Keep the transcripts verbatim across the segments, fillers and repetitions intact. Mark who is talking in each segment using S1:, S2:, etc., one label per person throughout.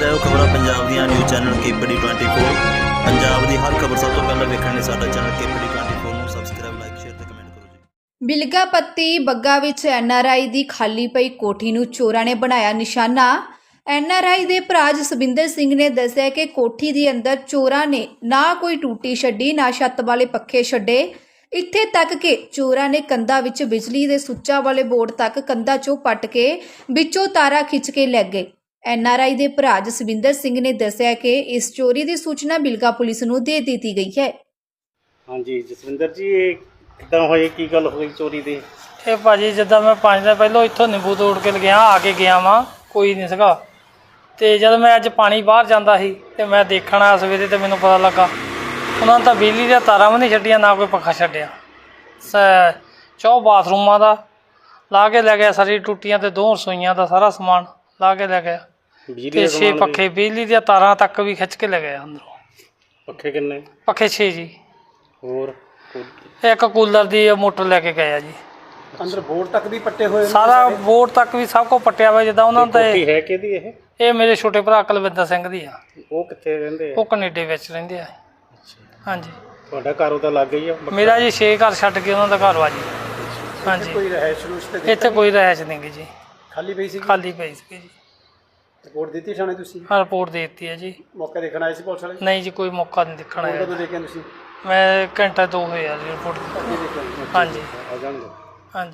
S1: रहे हो खबर पंजाब ਦੀਆਂ news channel KPD twenty four Punjab की हर खबर सब तो पहले देखने लिए साडा चैनल केपीडी ट्वेंटी फोर ਨੂੰ ਸਬਸਕ੍ਰਾਈਬ ਲਾਈਕ ਸ਼ੇਅਰ ਤੇ ਕਮੈਂਟ ਕਰੋ ਜੀ।
S2: ਬਿਲਗਾ ਪੱਤੀ ਬੱਗਾ ਵਿੱਚ ਐਨ ਆਰ ਆਈ ਦੀ ਖਾਲੀ ਪਈ ਕੋਠੀ ਨੂੰ ਚੋਰਾਂ ਨੇ ਬਣਾਇਆ ਨਿਸ਼ਾਨਾ। ਐਨ ਆਰ ਆਈ ਦੇ ਭਰਾ ਜਸਵਿੰਦਰ ਸਿੰਘ ਨੇ ਦੱਸਿਆ ਕਿ ਕੋਠੀ ਦੇ ਅੰਦਰ ਚੋਰਾਂ ਨੇ ਨਾ ਕੋਈ ਟੂਟੀ ਛੱਡੀ ਨਾ ਛੱਤ ਵਾਲੇ ਪੱਖੇ ਛੱਡੇ, ਇੱਥੇ ਤੱਕ ਕਿ ਚੋਰਾਂ ਨੇ ਕੰਧਾਂ ਵਿੱਚ ਬਿਜਲੀ ਦੇ ਸੁੱਚਾਂ ਵਾਲੇ ਬੋਰਡ ਤੱਕ ਕੰਧਾਂ ਚੋਂ ਪੱਟ ਕੇ ਵਿੱਚੋਂ ਤਾਰਾਂ ਖਿੱਚ ਕੇ ਲੈ ਗਏ। ਐਨ ਆਰ ਆਈ ਦੇ ਭਰਾ ਜਸਵਿੰਦਰ ਸਿੰਘ ਨੇ ਦੱਸਿਆ ਕਿ ਇਸ ਚੋਰੀ ਦੀ ਸੂਚਨਾ ਬਿਲਗਾ ਪੁਲਿਸ ਨੂੰ ਦੇ ਦਿੱਤੀ ਗਈ ਹੈ।
S3: ਹਾਂਜੀ ਜਸਵਿੰਦਰ ਜੀ, ਇਹ ਕਿੱਦਾਂ ਹੋਈ, ਕੀ ਗੱਲ ਹੋਈ ਚੋਰੀ ਦੀ?
S4: ਇਹ ਭਾਜੀ ਜਿੱਦਾਂ ਮੈਂ ਪੰਜ ਦਿਨ ਪਹਿਲਾਂ ਇੱਥੋਂ ਨਿੰਬੂ ਤੋੜ ਕੇ ਲਗਿਆ ਆ ਕੇ ਗਿਆ ਵਾਂ, ਕੋਈ ਨਹੀਂ ਸੀਗਾ। ਅਤੇ ਜਦ ਮੈਂ ਅੱਜ ਪਾਣੀ ਬਾਹਰ ਜਾਂਦਾ ਸੀ ਅਤੇ ਮੈਂ ਦੇਖਣ ਆਇਆ ਸਵੇਰੇ ਅਤੇ ਮੈਨੂੰ ਪਤਾ ਲੱਗਾ ਉਹਨਾਂ ਨੇ ਤਾਂ ਬਿਜਲੀ ਦੀਆਂ ਤਾਰਾਂ ਵੀ ਨਹੀਂ ਛੱਡੀਆਂ, ਨਾ ਕੋਈ ਪੱਖਾ ਛੱਡਿਆ। ਸ ਚੌ ਬਾਥਰੂਮਾਂ ਦਾ ਲਾ ਕੇ ਲੈ ਗਿਆ, ਸਾਰੀ ਟੂਟੀਆਂ ਅਤੇ ਦੋ ਰਸੋਈਆਂ ਦਾ ਸਾਰਾ ਸਮਾਨ ਲਾ ਕੇ ਲੈ ਗਿਆ, ਅਤੇ ਛੇ ਪੱਖੇ ਬਿਜਲੀ ਦੀਆਂ ਤਾਰਾਂ ਤੱਕ ਵੀ ਖਿੱਚ ਕੇ ਲੈ ਗਿਆ ਅੰਦਰੋਂ।
S3: ਪੱਖੇ ਕਿੰਨੇ?
S4: ਪੱਖੇ ਛੇ ਜੀ।
S3: ਹੋਰ
S4: ਇੱਕ ਕੂਲਰ ਦੀ ਮੋਟਰ ਲੈ ਕੇ ਗਏ ਆ ਜੀ।
S3: ਅੰਦਰ ਬੋਰਡ ਤੱਕ ਵੀ ਪੱਟੇ ਹੋਏ?
S4: ਸਾਰਾ ਬੋਰਡ ਤੱਕ ਵੀ ਸਭ ਕੁਛ ਪੱਟਿਆ ਹੋਇਆ। ਜਿੱਦਾਂ ਉਹਨਾਂ ਦਾ
S3: ਹੈ ਕਿਹਦੀ ਇਹ?
S4: ਇਹ ਮੇਰੇ ਛੋਟੇ ਭਰਾ ਕੁਲਵਿੰਦਰ ਸਿੰਘ ਦੀ ਆ।
S3: ਉਹ ਕਿੱਥੇ ਰਹਿੰਦੇ ਆ?
S4: ਉਹ ਕੈਨੇਡਾ ਵਿੱਚ ਰਹਿੰਦੇ ਆ। ਹਾਂਜੀ।
S3: ਤੁਹਾਡਾ ਘਰ ਉਹਦਾ ਲੱਗ ਗਈ ਆ?
S4: ਮੇਰਾ ਜੀ ਛੇ ਘਰ ਛੱਡ ਕੇ ਉਹਨਾਂ ਦਾ ਘਰ ਵਾ ਜੀ। ਹਾਂਜੀ।
S3: ਕੋਈ ਰਹਿائش ਰੂਸ਼ ਤੇ
S4: ਇੱਥੇ ਕੋਈ ਰਹਿائش ਨਹੀਂ ਗੀ ਜੀ,
S3: ਖਾਲੀ ਪਈ ਸੀ?
S4: ਖਾਲੀ ਪਈ ਸੀ ਜੀ।
S3: ਰਿਪੋਰਟ ਦਿੱਤੀ ਥਾਣੇ ਤੁਸੀਂ?
S4: ਹਾਂ, ਰਿਪੋਰਟ ਦੇ ਦਿੱਤੀ ਹੈ ਜੀ।
S3: ਮੌਕਾ ਦੇਖਣ ਆਏ ਸੀ ਪੁਲਿਸ ਵਾਲੇ?
S4: ਨਹੀਂ ਜੀ, ਕੋਈ ਮੌਕਾ ਨਹੀਂ ਦੇਖਣ ਆਇਆ।
S3: ਕਦੋਂ ਦੇਖਿਆ ਤੁਸੀਂ?
S4: ਮੈਂ ਘੰਟਾ ਦੋ ਹੋਏ ਆ ਜੀ ਰਿਪੋਰਟ ਦਿੱਤੀ। ਹਾਂਜੀ
S3: ਆ ਜਾਣਗੇ।
S4: ਹਾਂਜੀ।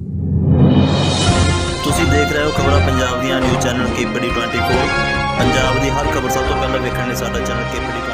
S1: ਤੁਸੀਂ ਦੇਖ ਰਹੇ ਹੋ ਖਬਰਾਂ ਪੰਜਾਬ ਦੀਆਂ news channel KPD twenty four Punjab की हर खबर सब तो पहले देखने लिए साडा चैनल केपीडी